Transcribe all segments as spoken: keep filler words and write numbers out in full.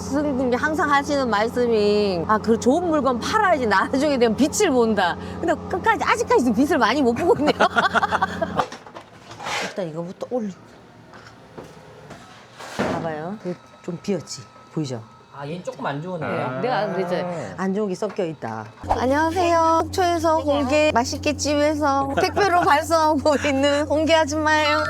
스승님이 항상 하시는 말씀이 아, 그 좋은 물건 팔아야지 나중에 되면 빛을 본다. 근데 끝까지 아직까지도 빛을 많이 못 보고 있네요. 일단 이거부터 올리고. 봐봐요. 좀 비었지? 보이죠? 아, 얘는 조금 안 좋은데요? 네, 내가 그랬죠. 안 좋은 게 섞여 있다. 안녕하세요. 속초에서 홍게 맛있게 찜해서 택배로 발송하고 있는 홍게 아줌마예요.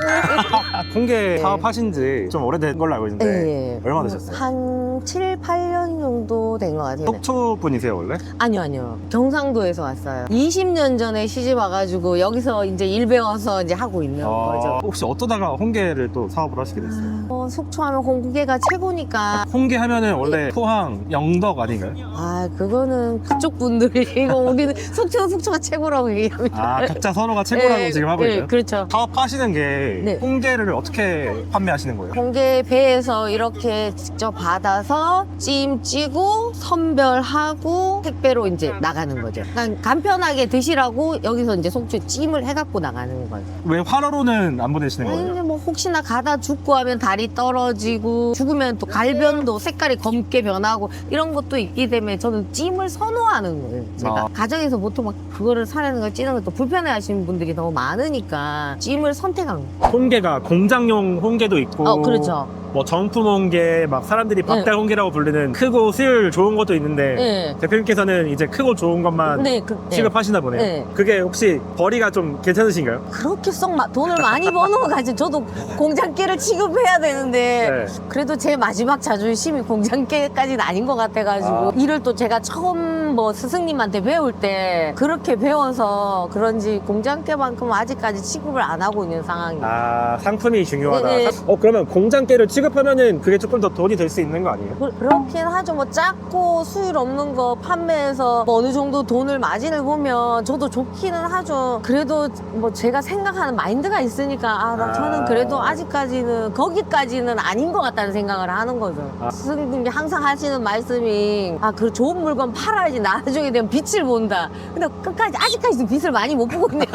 홍게 사업하신 지 좀 오래된 걸로 알고 있는데 네. 얼마나 되셨어요? 한 칠, 팔 년 정도 된 것 같아요. 속초 분이세요 원래? 아니요, 아니요. 경상도에서 왔어요. 이십 년 전에 시집 와가지고 여기서 이제 일 배워서 이제 하고 있는 거죠. 혹시 어떠다가 홍게를 또 사업을 하시게 됐어요? 어, 속초하면 홍게가 최고니까. 홍게 하면은 원래 포항, 영덕 아닌가요? 아, 그거는 그쪽 분들이고 우리는 속초, 속초가 최고라고 얘기합니다. 아, 각자 서로가 최고라고 네, 지금 하고 네, 있어요? 그렇죠. 사업하시는 게 네. 홍게를 어떻게 판매하시는 거예요? 홍게 배에서 이렇게 직접 받아서 찜 찌고 선별하고 택배로 이제 나가는 거죠. 그러니까 간편하게 드시라고 여기서 이제 속초에 찜을 해갖고 나가는 거죠. 왜 활어로는 안 보내시는 아니, 거예요? 근데 뭐 혹시나 가다 죽고 하면 다리 떨어지고 죽으면 또 갈변도 색깔이 검게 변하고 이런 것도 있기 때문에 저는 찜을 선호하는 거예요. 제가 아. 가정에서 보통 막 그거를 사려는 걸 찌는 것도 불편해 하시는 분들이 너무 많으니까 찜을 선택한 거예요. 홍게가 공장용 홍게도 있고 어, 그렇죠. 뭐 정품 홍게, 막 사람들이 박달 네. 홍게라고 부르는 크고 수율 좋은 것도 있는데 네. 대표님께서는 이제 크고 좋은 것만 네, 그, 네. 취급하시나 보네요. 네. 그게 혹시 벌이가 좀 괜찮으신가요? 그렇게 썩 마- 돈을 많이 버는 거 가지고 저도 공장계를 취급해야 되는데 네. 그래도 제 마지막 자존심이 공장계까지는 아닌 것 같아가지고 아. 일을 또 제가 처음 뭐 스승님한테 배울 때 그렇게 배워서 그런지 공장계만큼 아직까지 취급을 안 하고 있는 상황이에요. 아, 상품이 중요하다. 네, 네. 어, 그러면 공장계를 취급하면은 그게 조금 더 돈이 될 수 있는 거 아니에요? 그- 그렇긴 하죠. 뭐 작고 수율 없는 거 판매해서 뭐 어느 정도 돈을 마진을 보면 저도 좋기는 하죠. 그래도 뭐 제가 생각하는 마인드가 있으니까 아, 나 아. 저는 그래도 아직까지는 거기까지는 아닌 것 같다는 생각을 하는 거죠. 아. 스승님이 항상 하시는 말씀이 아, 그 좋은 물건 팔아야지 나중에 되면 빛을 본다. 근데 끝까지 아직까지도 빛을 많이 못 보고 있네요.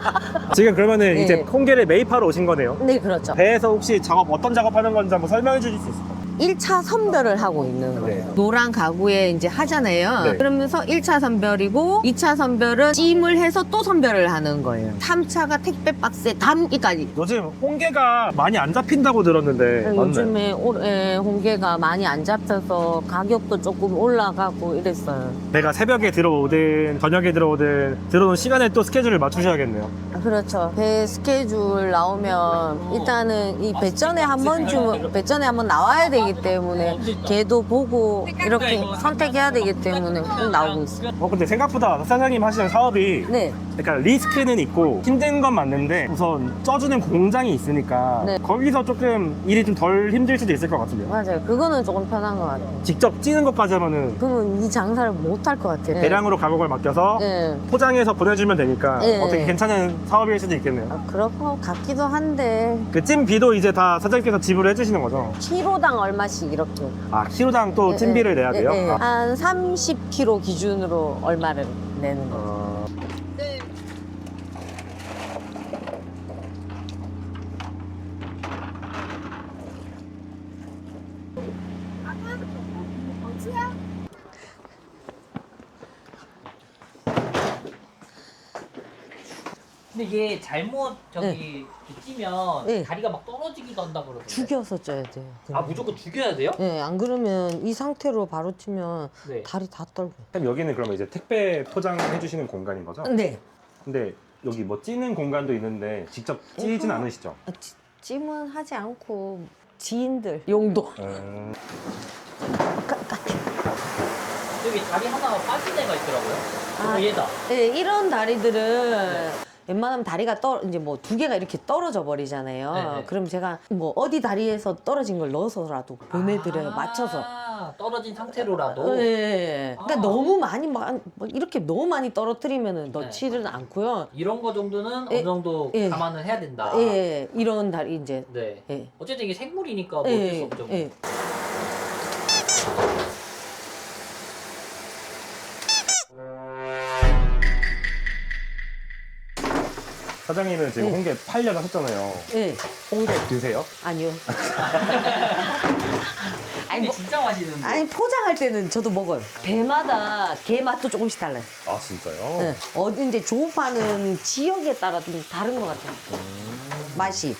지금 그러면은 네. 이제 홍게를 매입하러 오신 거네요. 네, 그렇죠. 배에서 혹시 작업 어떤 작업하는 건지 한번 설명해 주실 수 있을까요? 일 차 선별을 하고 있는 거예요. 네. 노란 가구에 이제 하잖아요. 네. 그러면서 일 차 선별이고 이 차 선별은 찜을 해서 또 선별을 하는 거예요. 삼 차가 택배 박스에 담기까지. 요즘 홍게가 많이 안 잡힌다고 들었는데 맞나요? 요즘에 올해 홍게가 많이 안 잡혀서 가격도 조금 올라가고 이랬어요. 배가 새벽에 들어오든 저녁에 들어오든 들어오는 시간에 또 스케줄을 맞추셔야겠네요. 아, 그렇죠. 배 스케줄 나오면 일단은 이 배전에 한 번쯤 배전에 한번 나와야 되기 때문에 걔도 보고 이렇게 선택해야 되기 때문에 꼭 나오고 있어요. 어 근데 생각보다 사장님 하시는 사업이 네. 약간 리스크는 있고 힘든 건 맞는데 우선 쪄주는 공장이 있으니까 네. 거기서 조금 일이 좀 덜 힘들 수도 있을 것 같은데요. 맞아요. 그거는 조금 편한 것 같아요. 직접 찌는 것까지 하면은 그러면 이 장사를 못 할 것 같아요. 대량으로 가격을 맡겨서 네. 포장해서 보내주면 되니까 네. 어떻게 괜찮은 사업일 수도 있겠네요. 아, 그럴 것 같기도 한데 그 찜비도 이제 다 사장님께서 지불해 주시는 거죠? 키로당 얼마씩 이렇게 아 키로당 또 찜비를 내야 돼요? 네, 네. 아. 한 삼십 킬로그램 기준으로 얼마를 내는 거예요. 어, 근데 이게 잘못 저기 찌면 네. 다리가 막 떨어지기도 한다 그러던데. 죽여서 쪄야 돼요. 아, 무조건 죽여야 돼요? 네, 안 그러면 이 상태로 바로 치면 네. 다리 다 떨고. 그럼 여기는 그러면 이제 택배 포장해 주시는 공간인 거죠? 네. 근데 여기 뭐 찌는 공간도 있는데 직접 찌진 이거- 않으시죠? 아, 찌- 찜은 하지 않고 지인들 용도. 음, 여기 다리 하나 빠진 애가 있더라고요. 아. 어, 얘다. 네, 이런 다리들은 웬만하면 다리가 떨 이제 뭐 두 개가 이렇게 떨어져 버리잖아요. 네네. 그럼 제가 뭐 어디 다리에서 떨어진 걸 넣어서라도 보내드려요. 아, 맞춰서. 떨어진 상태로라도. 네. 그러니까 아. 너무 많이 막, 막 이렇게 너무 많이 떨어뜨리면은 넣지는 않고요. 이런 거 정도는 예. 어느 정도 예. 감안을 해야 된다. 예, 이런 다리 이제. 네. 예. 어쨌든 이게 생물이니까 뭐 어쩔 수 예, 없죠. 예. 사장님은 지금 네. 홍게 팔려고 하셨잖아요. 예. 홍게 드세요? 아니요. 아니 아니, 뭐, 진짜 맛있는데. 아니 포장할 때는 저도 먹어요. 배마다 게 맛도 조금씩 달라요. 아 진짜요? 네. 어디 이제 조업하는 지역에 따라 좀 다른 것 같아요. 맛이.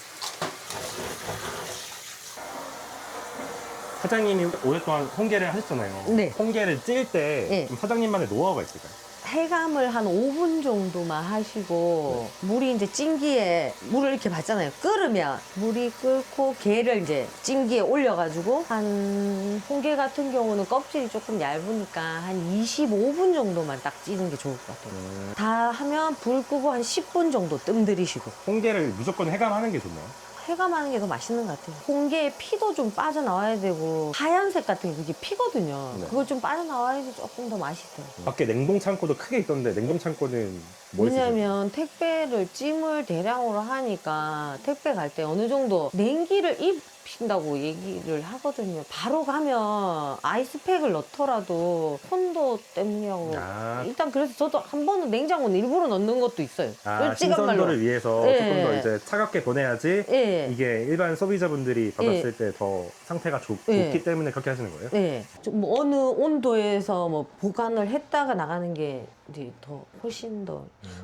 사장님이 오랫동안 홍게를 하셨잖아요. 네. 홍게를 찔 때 네. 좀 사장님만의 노하우가 있을까요? 해감을 한 오 분 정도만 하시고 물이 이제 찜기에 물을 이렇게 받잖아요. 끓으면 물이 끓고 게를 이제 찜기에 올려가지고 한 홍게 같은 경우는 껍질이 조금 얇으니까 한 이십오 분 정도만 딱 찌는 게 좋을 것 같아요. 음. 다 하면 불 끄고 한 십 분 정도 뜸 들이시고 홍게를 무조건 해감하는 게 좋나요? 해감하는 게 더 맛있는 것 같아요. 홍게에 피도 좀 빠져나와야 되고 하얀색 같은 게 그게 피거든요. 네. 그걸 좀 빠져나와야지 조금 더 맛있어요. 밖에 냉동 창고도 크게 있던데 냉동 창고는 뭐 있으세요? 왜냐면 택배를 찜을 대량으로 하니까 택배 갈 때 어느 정도 냉기를 입힌다고 얘기를 하거든요. 바로 가면 아이스팩을 넣더라도 손도 때문이라고. 아. 일단 그래서 저도 한 번은 냉장고는 일부러 넣는 것도 있어요. 아, 일찌감말로. 신선도를 위해서 예. 조금 더 이제 차갑게 보내야지 예. 이게 일반 소비자분들이 받았을 때 더 상태가 좋, 예. 좋기 때문에 그렇게 하시는 거예요? 네. 좀 뭐 어느 온도에서 뭐 보관을 했다가 나가는 게 이제 더 훨씬 더.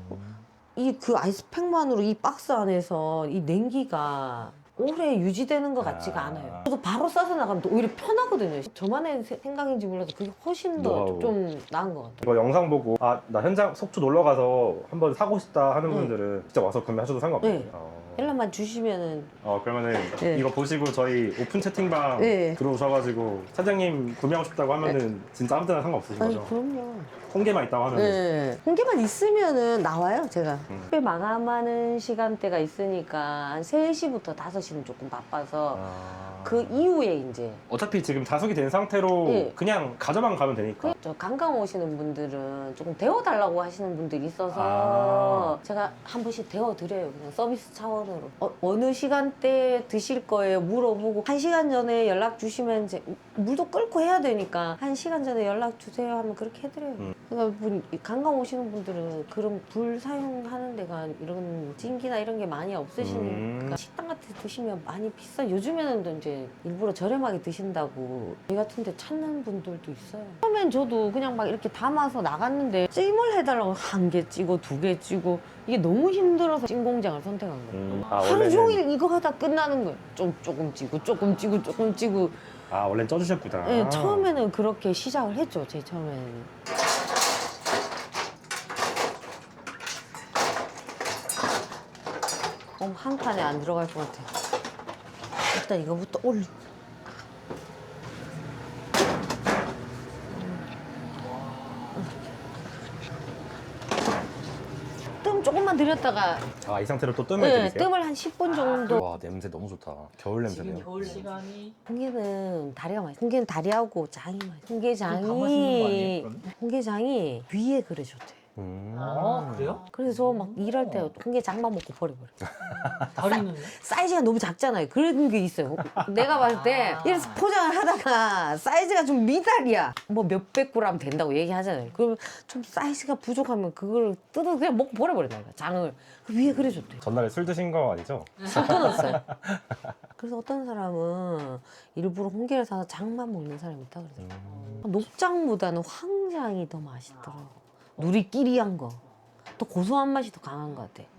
이 그 아이스팩만으로 이 박스 안에서 이 냉기가 오래 유지되는 것 같지가 아. 않아요. 저도 바로 싸서 나가면 또 오히려 편하거든요. 저만의 세- 생각인지 몰라도 그게 훨씬 더 노하우. 좀 나은 것 같아요. 이거 영상 보고 아 나 현장 속초 놀러 가서 한번 사고 싶다 하는 네. 분들은 직접 와서 구매하셔도 상관없어요. 네. 어. 연락만 주시면은 어 그러면은 네. 이거 보시고 저희 오픈 채팅방 네. 들어오셔가지고 사장님 구매하고 싶다고 하면은 진짜 아무 데나 상관없으신 아니 거죠? 그럼요. 홍게만 있다고 하면은 네. 홍게만 있으면은 나와요, 제가. 음. 택배 마감하는 시간대가 있으니까 한 세 시부터 다섯 시는 조금 바빠서 아... 그 이후에 이제 어차피 지금 자석이 된 상태로 네. 그냥 가져만 가면 되니까 저 관광 오시는 분들은 조금 데워달라고 하시는 분들이 있어서 아. 제가 한 번씩 데워드려요. 그냥 서비스 차원으로. 어, 어느 시간대에 드실 거예요? 물어보고 한 시간 전에 연락 주시면 이제 물도 끓고 해야 되니까 한 시간 전에 연락 주세요 하면 그렇게 해드려요. 음. 그러니까 분- 이 관광 오시는 분들은 그런 불 사용하는 데가 이런 찜기나 이런 게 많이 없으시니까 음. 식당 같은 데 드시면 많이 비싸. 요즘에는 또 이제 일부러 저렴하게 드신다고 이 같은 데 찾는 분들도 있어요. 처음엔 저도 그냥 막 이렇게 담아서 나갔는데 찜을 해달라고 한 개 찌고 두 개 찌고 이게 너무 힘들어서 찜 공장을 선택한 거예요. 음. 아, 하루 원래는- 종일 이거 하다 끝나는 거예요. 좀 조금 찌고 조금 찌고 조금 찌고. 아 원래는 쪄주셨구나. 네, 처음에는 그렇게 시작을 했죠. 제 처음에는. 어, 한 칸에 안 들어갈 것 같아. 일단 이거부터 올리. 뜸 조금만 들였다가 아 이 상태로 또 뜸을 네, 들이세요? 뜸을 한 십 분 정도. 와 냄새 너무 좋다. 겨울 지금 냄새네요. 겨울 시간이 홍게는 다리가 맛있어. 홍게는 다리하고 장이 맛있어. 가마시는 거 아니에요? 홍게장이 그러면? 홍게장이 위에 그려줬대. 음. 아 그래요? 그래서 저 막 일할 때 홍게장만 먹고 버려버려. 다리는 사이즈가 너무 작잖아요. 그런 게 있어요. 내가 봤을 때 아. 이래서 포장을 하다가 사이즈가 좀 미달이야. 뭐 몇백 그램 된다고 얘기하잖아요. 그러면 좀 사이즈가 부족하면 그걸 뜯어 그냥 먹고 버려버린다. 이거. 장을 그 위에 그려줬대. 전날에 술 드신 거 아니죠? 술 끊었어요. 그래서 어떤 사람은 일부러 홍게를 사서 장만 먹는 사람이 있다 그러더라고요. 음. 녹장보다는 황장이 더 맛있더라고. 누리끼리한 거. 또 고소한 맛이 더 강한 것 같아.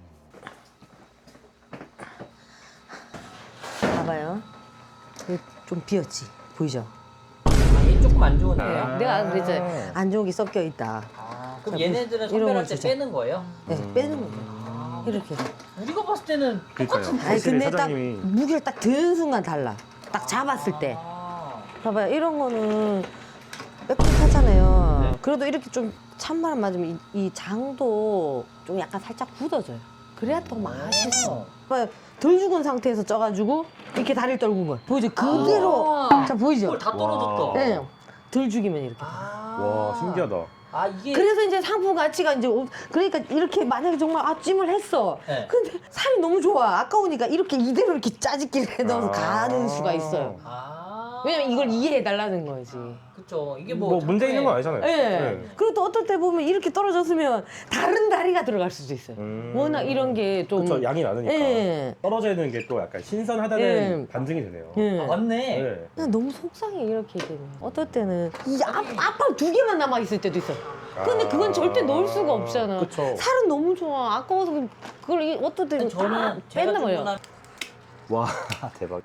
봐봐요. 이거 좀 비었지? 보이죠? 아얘 조금 안 좋은데요? 아. 내가 그랬잖아. 안 좋은 게 섞여 있다. 아, 그럼 자, 얘네들은 이런 선별할 걸 때 주자. 빼는 거예요? 네, 음. 빼는 거예요. 아, 이렇게. 우리가 봤을 때는 그러니까요. 똑같은 아니 확실히 근데 사장님이- 딱 무게를 딱 드는 순간 달라. 딱 잡았을 때. 아, 봐봐요. 이런 거는 빽빽하잖아요. 네. 그래도 이렇게 좀 찬바람 맞으면 이, 이 장도 좀 약간 살짝 굳어져요. 그래야 더 맛있어. 봐봐요. 덜 죽은 상태에서 쪄가지고 이렇게 다리를 떨군 거야. 보이죠? 그대로. 아. 자, 보이죠? 헐, 다 와. 떨어졌다. 네. 덜 죽이면 이렇게. 아. 와 신기하다. 아 이게 그래서 이제 상품 가치가 이제 오- 그러니까 이렇게 만약에 정말 아 찜을 했어. 네. 근데 살이 너무 좋아. 아까우니까 이렇게 이대로 이렇게 짜집기를 해서 아. 가는 수가 있어요. 아. 왜냐면 이걸 이해해 달라는 거지. 그쵸. 이게 뭐, 뭐. 문제 있는 건 아니잖아요. 예. 네. 그리고 또 어떨 때 보면 이렇게 떨어졌으면 다른 다리가 들어갈 수도 있어요. 음. 워낙 이런 게 좀. 그쵸, 양이 많으니까. 예. 떨어져 있는 게 또 약간 신선하다는 예. 반증이 되네요. 예. 아, 맞네. 네. 그냥 너무 속상해 이렇게 되면. 어떨 때는 이 앞, 앞팔 두 개만 남아 있을 때도 있어. 근데 그건 절대 넣을 수가 없잖아. 그쵸. 살은 너무 좋아. 아까워서 그- 그걸 이- 어떨 때는 저는 다 제가 뺀단 말이야. 주문한. 와, 대박.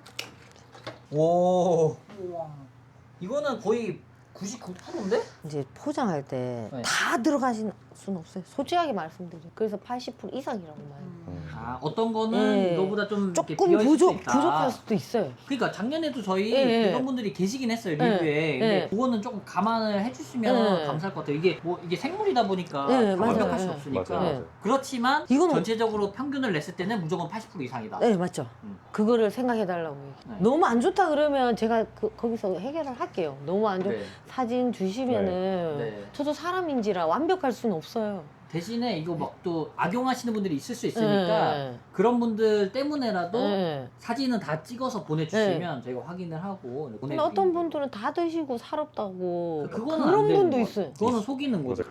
오. 이거는 거의 구십구 퍼센트인데? 이제 포장할 때 네. 다 들어가신 수는 없어요. 솔직하게 말씀드려. 그래서 팔십 퍼센트 이상이라고 말해요. 아, 어떤 거는 예. 이거보다 좀 이렇게 조금 비어있을 수 부족, 있다. 부족할 수도 있어요. 그러니까 작년에도 저희 예, 예. 이런 분들이 계시긴 했어요 예, 리뷰에. 근데 예. 그거는 조금 감안을 해주시면 예. 감사할 것 같아요. 이게 뭐 이게 생물이다 보니까 예, 다 맞아요. 완벽할 수 예. 없으니까. 맞아요, 맞아요. 그렇지만 이거는- 전체적으로 평균을 냈을 때는 무조건 팔십 퍼센트 이상이다. 네, 맞죠. 음. 그거를 생각해 달라고 얘기해요. 네. 너무 안 좋다 그러면 제가 그, 거기서 해결을 할게요. 너무 안 좋, 네. 사진 주시면은 네. 저도 사람인지라 완벽할 수는 없어요. 대신에 이거 막 또 악용하시는 분들이 있을 수 있으니까 네. 그런 분들 때문에라도 네. 사진은 다 찍어서 보내주시면 저희가 확인을 하고 근데 보내드리는 어떤 분들은 다 드시고 살았다고 그거는 그런 안 되는 분도 것 있어요. 같아요. 그거는 속이는 거죠.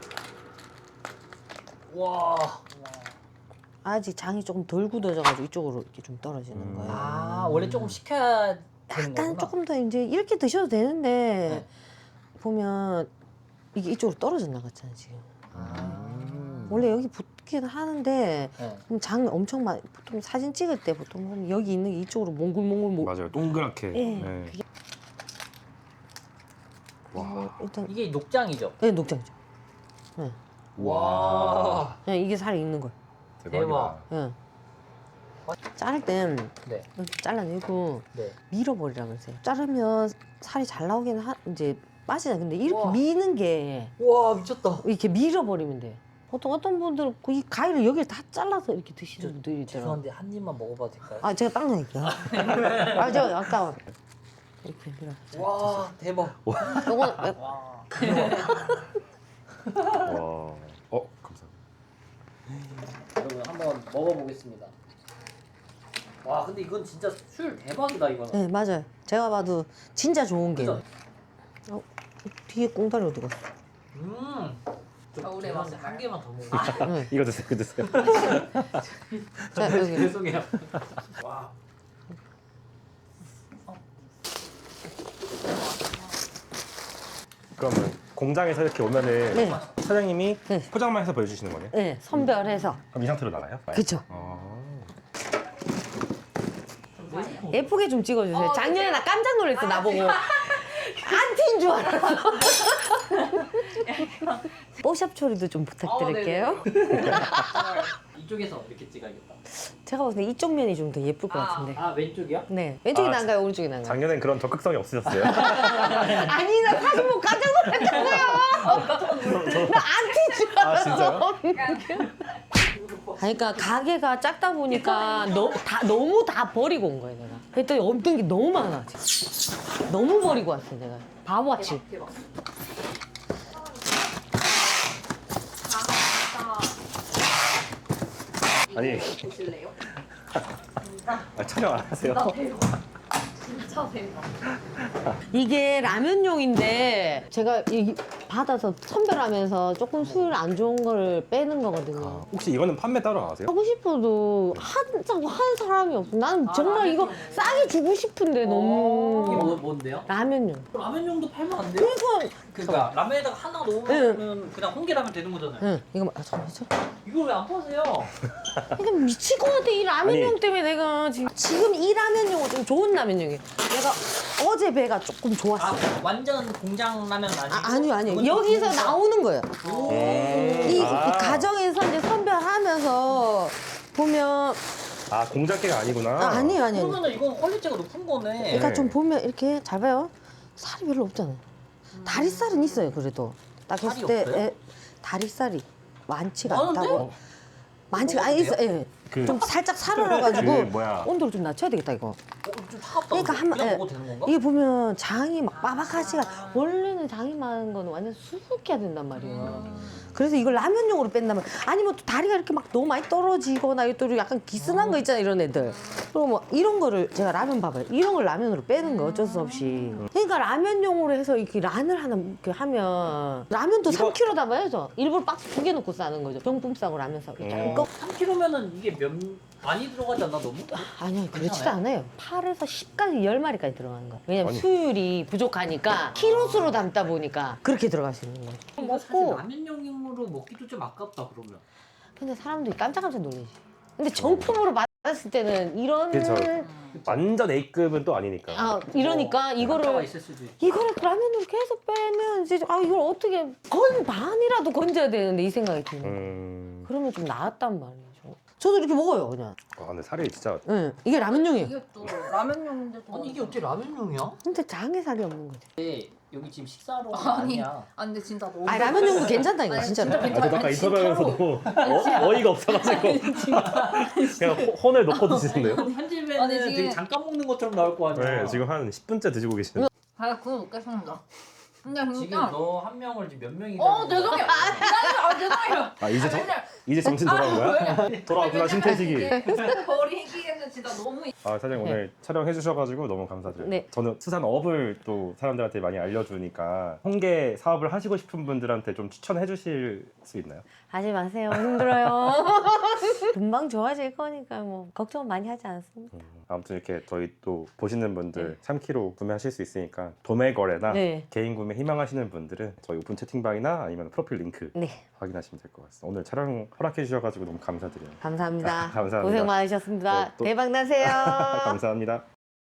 와. 아직 장이 조금 덜 굳어져가지고 이쪽으로 이렇게 좀 떨어지는 거예요. 아 원래 조금 식혀야 되는 약간 거구나. 조금 더 이제 이렇게 드셔도 되는데 네. 보면 이게 이쪽으로 떨어져 나갔잖아요 지금. 아. 원래 여기 붙긴 하는데 네. 그럼 장 엄청 많이 보통 사진 찍을 때 보통 보면 여기 있는 게 이쪽으로 몽글몽글 모... 맞아요. 동그랗게. 예. 네. 그게 와. 어, 일단 이게 녹장이죠. 네 녹장이죠. 네. 와. 그냥 이게 살이 있는 거예요. 대박이다. 대박. 네. 자를 땐 네. 이렇게 잘라내고 네. 밀어버리라면서요. 자르면 살이 잘 나오기는 하, 이제 빠지잖아요. 근데 이렇게 우와. 미는 게 와 미쳤다. 이렇게 밀어버리면 돼. 보통 어떤 분들은 그이 가위를 여기를 다 잘라서 이렇게 드시는 저- 분들이 있더라고요. 죄송한데 한 입만 먹어봐도 될까요? 아 제가 딱 넣을게요. 아 저 아까 이렇게 밀어. 와 대박. 요건 와. 와. 어, 감사합니다. 여러분 한번 먹어보겠습니다. 와 근데 이건 진짜 술 대박이다 이거는. 네 맞아요. 제가 봐도 진짜 좋은 게 그죠? 어, 뒤에 꽁다리 어디 갔어? 음. 겨울에 죄송한데 먹는 한 개만 더 먹어. 네. 이거 드세요, 이거 드세요. 자 여기 죄송해요. 와. 그러면 공장에서 이렇게 오면은 네. 사장님이 네. 포장만 해서 보여주시는 거네요? 네 선별해서 그럼 이 상태로 나가요? 그쵸. 아. 예쁘게 좀 찍어주세요. 어, 작년에 나 깜짝 놀랐어 나보고 안티인 줄 알았어. 뽀샵 처리도 좀 부탁드릴게요. 이쪽에서 이렇게 찍어야겠다. 제가 봤을 때 이쪽 면이 좀 더 예쁠 것 같은데. 아 왼쪽이요? 네 왼쪽이 아, 나은가요 오른쪽이 나은가요? 작년엔 그런 적극성이 없으셨어요? 아니 나 사진 보고 깜짝 놀랐다고요. 나 안티인 줄 아, 알았어. 진짜요? 그러니까 가게가 작다 보니까 너무 다 너무 다 버리고 온 거예요 내가. 그랬더니 없던 게 너무 많아. 지금. 너무 버리고 왔어 내가. 바보같이. 대박. 아니. 보실래요? 아, 촬영 안 하세요? 나 대박. 진짜 대박. 이게 라면용인데 제가 이 받아서 선별하면서 조금 수율 안 좋은 거를 빼는 거거든요. 아, 혹시 이거는 판매 따로 안 하세요? 하고 싶어도 한다고 하는 사람이 없어. 나는 아, 정말 이거 라면용. 싸게 주고 싶은데 이게 너무 뭐, 뭔데요? 라면용. 라면용도 팔면 안 돼요? 그러니까 그러니까 라면에다가 하나 넣으면 그냥 홍게라면 되는 거잖아요. 응 이거 아, 잠깐만 잠깐만. 이걸 왜 안 파세요? 이거 미칠 것 같아 이 라면용 아니. 때문에 내가 지금 지금 이 라면용은 좀 좋은 라면용이에요. 내가 어제 배가 조금 좋았어. 아 요 완전 공장 라면 아니고? 아, 아니요 아니요 그건 여기서 좀 나오는 거예요. 오. 이, 이 아. 가정에서 이제 선별하면서 보면 아, 공작계가 아니구나. 아, 아니에요 아니에요. 그러면은 이건 퀄리티가 높은 거네. 그러니까 네. 좀 보면 이렇게 잘 봐요. 살이 별로 없잖아요. 다리살은 있어요 그래도. 딱 살이 했을 때 없어요? 에, 다리살이 많지가 많은데? 않다고. 많지가 아니 있어. 예. 그- 좀 살짝 살얼어가지고 그 뭐야. 온도를 좀 낮춰야 되겠다 이거. 어, 좀 차갑다. 그러니까 한번 그냥 예. 먹어도 되는 건가? 이게 보면 장이 막 빠박하지가 원래는 장이 많은 거는 완전 수북해야 된단 말이에요. 그래서 이걸 라면용으로 뺀다면 아니면 또 다리가 이렇게 막 너무 많이 떨어지거나 또 약간 기스난 거 있잖아 이런 애들. 그럼 뭐 이런 거를 제가 라면 밥을 이런 걸 라면으로 빼는 거 어쩔 수 없이. 그러니까 그러니까 라면용으로 해서 이렇게 란을 하나 이렇게 하면 라면도 이거- 삼 킬로그램 담아야죠. 일부러 박스 두 개 넣고 싸는 거죠. 병품 싸고 라면 싸고. 음. 이거 삼 킬로그램면은 이게 몇 많이 들어가지 않나 너무? 아니요, 그렇지도 괜찮아요? 않아요. 팔에서 십까지 열 마리까지 들어가는 거예요. 왜냐면 아니. 수율이 부족하니까 키로수로 담다 보니까 그렇게 들어갈 수 있는 거죠. 이거 사실 먹고 라면용으로 먹기도 좀 아깝다 그러면. 근데 사람들이 깜짝깜짝 놀라지. 근데 정품으로 받았을 때는 이런 그쵸. 완전 A급은 또 아니니까. 아 이러니까 한자가 이거를 있을 수도 있고. 이거를 라면으로 계속 빼면 이제 아 이걸 어떻게 건 반이라도 건져야 되는데 이 생각이 드는 거예요. 음. 그러면 좀 나았단 말이죠. 저도 이렇게 먹어요 그냥. 아 근데 살이 진짜 응, 이게 라면용이에요. 이게 또 라면용인데 또 아니 이게 어떻게 라면용이야? 근데 장에 살이 없는 거지. 근데 여기 지금 식사로 아니 아니야. 아 근데 진짜 너무 아 라면용도 괜찮다니까 아니, 진짜로. 진짜 아, 저도 아까 아니, 인터뷰하면서도 어, 어이가 없어가지고 그냥 호- 혼을 놓고 드시는데요? 편집에는 아니, 지금- 되게 잠깐 먹는 것처럼 나올 거 아니야. 네, 지금 한 십 분째 드시고 계시는데 아 그거 먹겠습니다. 근데 지금 진짜 너 한 명을 지금 몇 명이 어 죄송해요. 아 죄송해요. 아 이제 저, 맨날 이제 정신 돌아온 거야? 돌아왔구나 신태식이. 버리기에는 진짜 너무 아 사장님 오늘 촬영해 주셔가지고 너무 감사드려요. 네. 저는 수산업을 또 사람들한테 많이 알려주니까 홍게 사업을 하시고 싶은 분들한테 좀 추천해 주실 수 있나요? 하지 마세요. 힘들어요. 금방 좋아질 거니까 뭐 걱정 많이 하지 않습니다. 음, 아무튼 이렇게 저희 또 보시는 분들 네. 삼 킬로그램 구매하실 수 있으니까 도매 거래나 네. 개인 구매 희망하시는 분들은 저희 오픈 채팅방이나 아니면 프로필 링크 네, 확인하시면 될 것 같습니다. 오늘 촬영 허락해 주셔가지고 너무 감사드려요. 감사합니다. 아, 감사합니다. 고생 많으셨습니다. 네, 또- 대박 나세요. 감사합니다.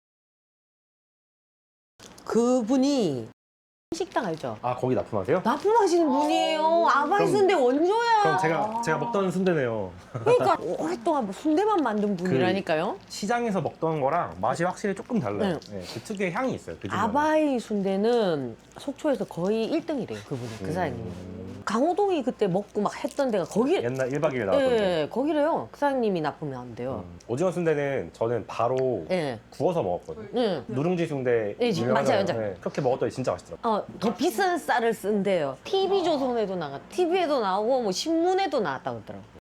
그분이 식당 알죠? 아 거기 납품하세요? 납품하시는 분이에요. 아바이 그럼- 순대 원조야. 그럼 제가 제가 먹던 순대네요. 그러니까 오랫동안 뭐 순대만 만든 분이라니까요. 시장에서 먹던 거랑 맛이 확실히 조금 달라요. 네, 그 특유의 향이 있어요. 그 집만의. 아바이 순대는 속초에서 거의 일 등이래요. 그분이 그 음. 사장님이. 강호동이 그때 먹고 막 했던 데가 거기. 옛날 일 박 이 일 나왔던데. 예, 거기래요. 그 사장님이 납품이 안 돼요. 음, 오징어 순대는 저는 바로 예, 구워서 먹었거든요. 예. 누룽지 순대 예, 유명하잖아요. 맞아요, 맞아요. 네, 그렇게 먹었더니 진짜 맛있더라고요. 어, 더 비싼 쌀을 쓴대요. 티비조선에도 나가, 티비에도 나오고 뭐 신문에도 나왔다고 그러더라고요.